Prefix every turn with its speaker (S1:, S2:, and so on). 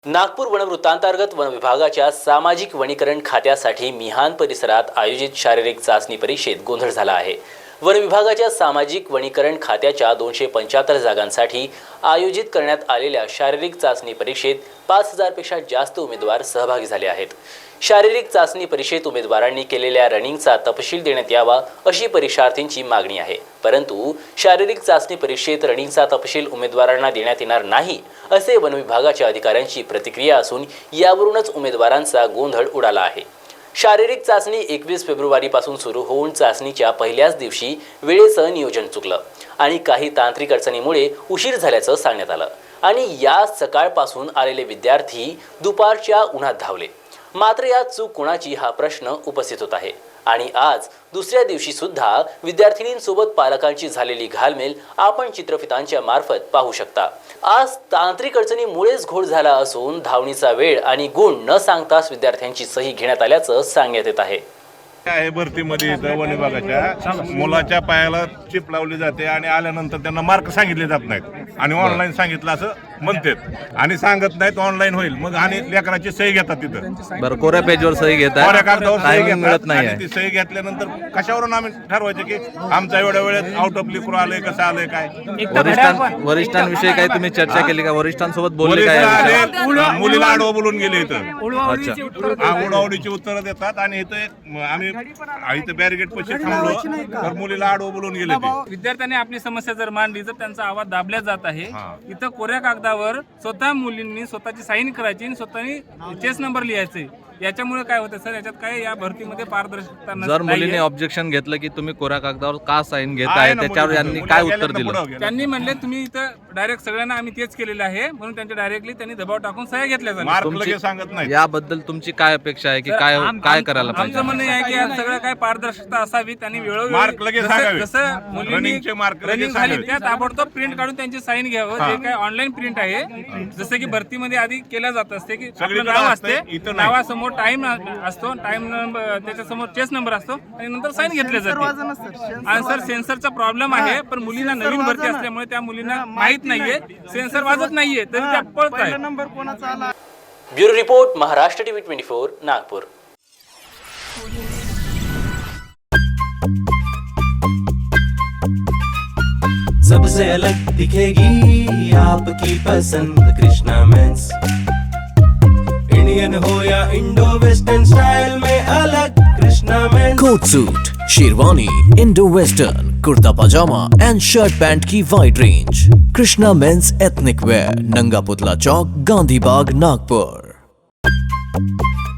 S1: Nagpur वनवृत्तांतर्गत one विभागाच्या सामाजिक वनीकरण खात्यासाठी मिहान परिसरात आयोजित शारीरिक चाचणी परीक्षेत गोंधळ झाला आहे। वन विभागाच्या सामाजिक वनीकरण खात्याच्या 275 जागांसाठी आयोजित करण्यात आलेल्या शारीरिक चाचणी परीक्षेत 5000 पेक्षा जास्त उमेदवार सहभागी झाले आहेत। शारीरिक चाचणी परीक्षेत उमेदवारांनी केलेल्या रनिंगचा तपशील देण्यात यावा अशी परीक्षार्थींची मागणी आहे, परंतु शारीरिक चाचणी परीक्षेत रनिंगचा तपशील उमेदवारांना देण्यात येणार नाही असे वन विभागाच्या अधिकाऱ्यांची प्रतिक्रिया असून यावरूनच उमेदवारांचा गोंधळ उडाला आहे। शारीरिक चाचणी 21 फेब्रुवारीपासून सुरू होऊन चाचणीच्या पहिल्याच दिवशी वेळेचं नियोजन चुकलं आणि काही तांत्रिक अडचणीमुळे उशीर झाल्याचं सांगण्यात आलं आणि या सकाळपासून आलेले विद्यार्थी दुपारच्या उन्हात धावले। मात्र या चूक कोणाची हा प्रश्न उपस्थित होत आहे आणि आज दुसऱ्या दिवशी सुद्धा विद्यार्थिनींसोबत पालकांची झालेली घालमेल आपण चित्रफितांच्या मार्फत पाहू शकता। आज तांत्रिक अडचणीमुळेच घोळ झाला असून धावणीचा वेळ आणि गुण न सांगताच विद्यार्थ्यांची सही घेण्यात आल्याचं सांगण्यात येत आहे।
S2: आहे भरतीमध्ये इथं वन विभागाच्या मुलाच्या पायाला चिप लावली जाते आणि आल्यानंतर त्यांना मार्क सांगितले जात नाहीत आणि ऑनलाईन सांगितलं असं म्हणतात आणि सांगत नाहीत ऑनलाईन होईल मग आणि लेकराची सही घेतात तिथं।
S3: बरं, कोऱ्या पेजवर सही घेतात,
S2: कोऱ्या कागदावर सही
S3: मिळत
S2: घेतात
S3: नाही
S2: आणि ती सही घेतल्यानंतर कशावरून आम्ही ठरवायचं की आमचा एवढ्या वेळेत आउट ऑफ लिक्रो आलंय कसं आलंय काय।
S3: वरिष्ठांविषयी काही तुम्ही चर्चा केली का? वरिष्ठांसोबत बोलले काय?
S2: मुलीला आडवं बोलून गेले इथं,
S3: अच्छा,
S2: उडवडीची उत्तरं देतात आणि इथं आम्ही इथं बॅरिगेट पैसे थांबलो तर मुलीला आडवं बोलून गेले ते।
S4: विद्यार्थ्यांनी आपली समस्या जर मांडली तर त्यांचा आवाज दाबला जात आहे। इथं कोऱ्या कागदावर स्वतः मुलींनी स्वतःची साईन करायची आणि स्वतःनी चेस नंबर लिहायचे। याच्यामुळे काय होतं सर, याच्यात काय या भरतीमध्ये पारदर्शकता नसते।
S3: जर मुलीने ऑब्जेक्शन घेतलं की तुम्ही कोऱ्या कागदावर का साईन घेत आहे, त्याच्यावर यांनी काय उत्तर दिलं?
S4: त्यांनी म्हणले तुम्ही इथं डायरेक्ट सगळ्यांना आम्ही तेच केलेलं आहे म्हणून त्यांच्या डायरेक्टली त्यांनी दबाव टाकून सह्या घेतल्या जातात।
S2: सांगत नाही
S3: याबद्दल तुमची काय अपेक्षा आहे की काय करायला पाहिजे?
S4: आमचं म्हणणं आहे की यात सगळं काय पारदर्शकता असावी। त्यांनी
S2: मार्क लगेच सांगावे.
S4: जसं मुलींनी
S2: रनिंगचे मार्क लगेच
S4: रनिंग झाली
S2: सांगावे.
S4: त्या ताबडतोब प्रिंट काढून त्यांची साईन घ्यावं। जे काय ऑनलाईन प्रिंट आहे जसं की भरतीमध्ये आधी केलं जात असते की आपलं नाव असते,
S2: इथं नाही.
S4: नावासमोर टाइम असतो, टाइम नंबर त्याच्यासमोर चेस नंबर असतो आणि नंतर साईन घेतले जाते। आणि सर सेन्सरचा प्रॉब्लेम आहे, पण मुलींना नवीन भरती असल्यामुळे त्या मुलींना माहित नाहीये, सेन्सर वाजत नाहीये तरी त्या पळत आहे।
S1: Bureau report, Maharashtra TV 24, Nagpur.
S5: सबसे अलग दिखेगी आपकी पसंद कृष्णा मेंस। इंडियन हो या इंडो वेस्टर्न स्टाइल में अलग Krishna men's.
S6: Coat suit, sherwani, Indo western, kurta pyjama and shirt pant की wide range. Krishna men's ethnic wear, Nanga Putla चौक, गांधी बाग, नागपुर।